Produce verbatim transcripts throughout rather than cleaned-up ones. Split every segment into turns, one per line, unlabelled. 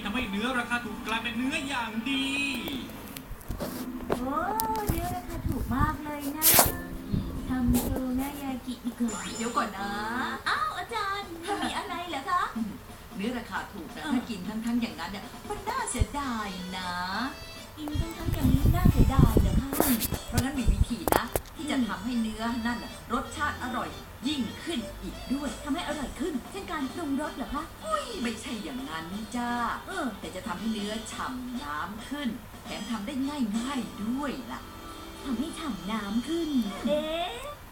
ทำให้เนื้อราคาถูกกลายเป็นเนื้ออย่างดี
โอ้เนื้อราคาถูกมากเลยนะทำโชนายากิดีกว่า
เดี๋ยวก่อนนะ
อ้าวอาจารย์มีอะไรเหรอคะ
เนื้อราคาถูกนะถ้ากินทั้งๆอย่างนั้นเนี่ยมันน่าเสียดายนะ
กินทั้งๆอย่างนี้น่าเสียดายเหรอคะ
เพราะงั้นมีวิธีนะ ที่จะทำให้เนื้อนั่นน่ะรสชาติอร่อยยิ่งขึ้นอีกด้วย
ทำให้อร่อยขึ้นเช่นการปรุงรสเหรอคะ
อุ้ยไม่ใช่อย่างนั้นจ้า
เออ
แต่จะทำให้เนื้อฉ่ำน้ำขึ้น แถมทำได้ง่ายๆด้วยล่ะ
ทำให้ฉ่ำน้ำขึ้นเอ๊ะ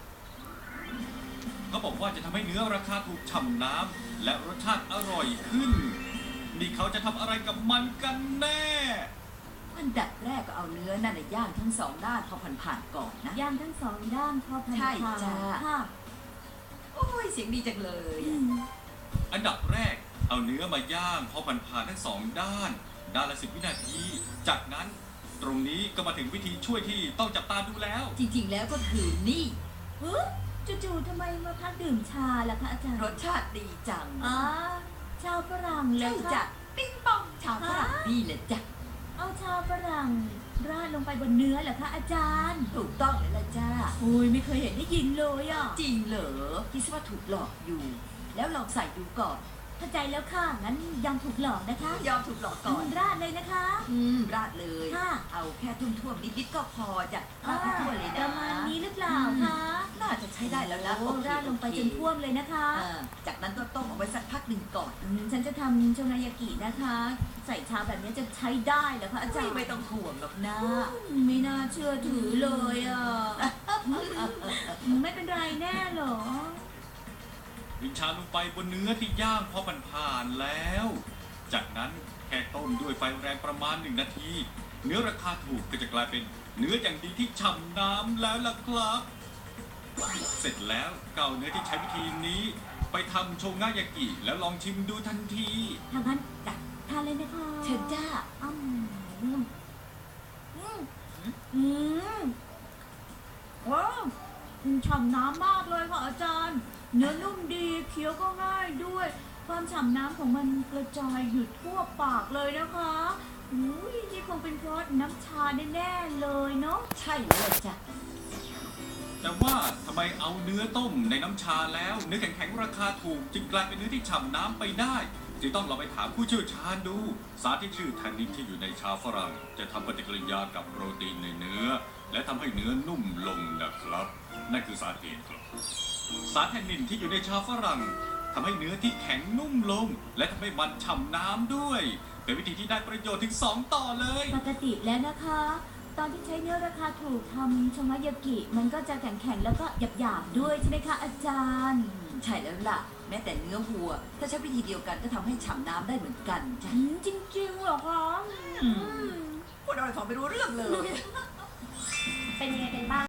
เขาบอกว่าจะทำให้เนื้อราคาถูกฉ่ำน้ำและรสชาติอร่อยขึ้น นี่เขาจะทำอะไรกับมันกันแน่
อันดับแรกก็เอาเนื้อนั่นน่ะย่างทั้งสองด้านพอผ่านๆก่อนนะ
ย่างทั้งสองด้านพอพัน
ใช่
ผ่าน
จ้า
ค่ะ
โอ้ยเสียงดีจังเลย
อื
อะ
ม
อันดับแรกเอาเนื้อมาย่างพอผ่านๆทั้งสองด้าน ด้านละสิบวินาที จากนั้นตรงนี้ก็มาถึงวิธีช่วยที่ต้องจับตาดูแล้ว
จริงๆแล้วก็คือนี่
เฮ้ยจู่ๆทำไมมาพักดื่มชาล่ะคะอาจารย์
รสชาติดีจัง
อ๋อชาวฝรั่งเล
ใช่
ย
จ้ะ
ค่ะ
ปิ้งปองชาวฝรั่งนี่แหละจ้ะ
เอาชาวฝรั่งราดลงไปบนเนื้อเหรอคะอาจารย์
ถูกต้องเลยละจ้า
โอ้ยไม่เคยเห็นได้ยินเลยอ่ะ
จริงเหรอคิดว่าถูกหลอกอยู่ แล้วลองใส่ดูก่อน
เข้าใจแล้วค่ะ งั้นยอมถูกหลอกนะคะ
ยอมถูกหลอกก่อน
ราดเลยนะคะ
อืมราดเลย
ค่ะ
เอาแค่ทุ่มๆนิดๆก็พอจ้ะราดให้ทั่วเลย
ป
นะ
ระมาณนี้หรือเปล่าคะ
น่าจะใช้ได้แล้วนะ
โอ้
โอเค
ราดลงไปจนท่วมเลยนะคะ
อ่าจากนั้นก็ต้มเอาไว้สักพักหนึ่งก่อน
อืมฉันจะทำโชนายากินะคะ ใส่ชาแบบนี้จะใช้ได้เหรอคะอาจารย์
ไม่ต้องห่วงหรอกนะ
ไม่น่าเชื่อถือเลยอ่ะ ไม่เป็นไรแน่เหรอ
วินชาลงไปบนเนื้อที่ย่างพอผ่านๆแล้ว จากนั้นแค่ต้มด้วยไฟแรงประมาณหนึ่งนาที เนื้อราคาถูกก็จะกลายเป็นเนื้ออย่างดีที่ฉ่ำน้ำแล้วล่ะครับ เสร็จแล้วเกเอาเนื้อที่ใช้วิธีนี้ ไปทำโชงายากิแล้วลองชิมดูทันที
ทางนั้นจัดทานเลยนะคะ
เชิญจ้า
อืมอืมอืมอืมว้าวฉ่ำน้ำมากเลยค่ะอาจารย์ เนื้อนุ่มดีเคี้ยวก็ง่ายด้วย ความฉ่ำน้ำของมันกระจายอยู่ทั่วปากเลยนะคะอุ้ยนี่คงเป็นเพราะน้ำชาแน่ๆเลยเนาะ
ใช่เลยจ้ะ
แต่ว่าทำไมเอาเนื้อต้มในน้ำชาแล้ว เนื้อแข็งๆราคาถูกจึงกลายเป็นเนื้อที่ฉ่ำน้ำไปได้จึงต้องเราไปถามผู้เชี่ยวชาญดู สารที่ชื่อแทนนินที่อยู่ในชาฝรั่ง จะทำปฏิกิริยากับโปรตีนในเนื้อ และทำให้เนื้อนุ่มลงนะครับ นั่นคือสาเหตุครับ สารแทนนินที่อยู่ในชาฝรั่งทำให้เนื้อที่แข็งนุ่มลง และทำให้มันฉ่ำน้ำด้วย เป็นวิธีที่ได้ประโยชน์ถึงสองต่อเลย
ปกติแล้วนะคะ ตอนที่ใช้เนื้อราคาถูกทำโชงายากิ มันก็จะแข็งๆแล้วก็หยาบๆด้วยใช่ไหมคะอาจารย์
ใช่แล้วล่ะ แม้แต่เนื้อวัว ถ้าใช้วิธีเดียวกันก็ทำให้ฉ่ำน้ำได้เหมือนกันจ้ะ
อืมจริงๆเหรอคะ
อืม พูดอะไรฟังไม่รู้เรื่องเลย
เป็นยังไงกันบ้าง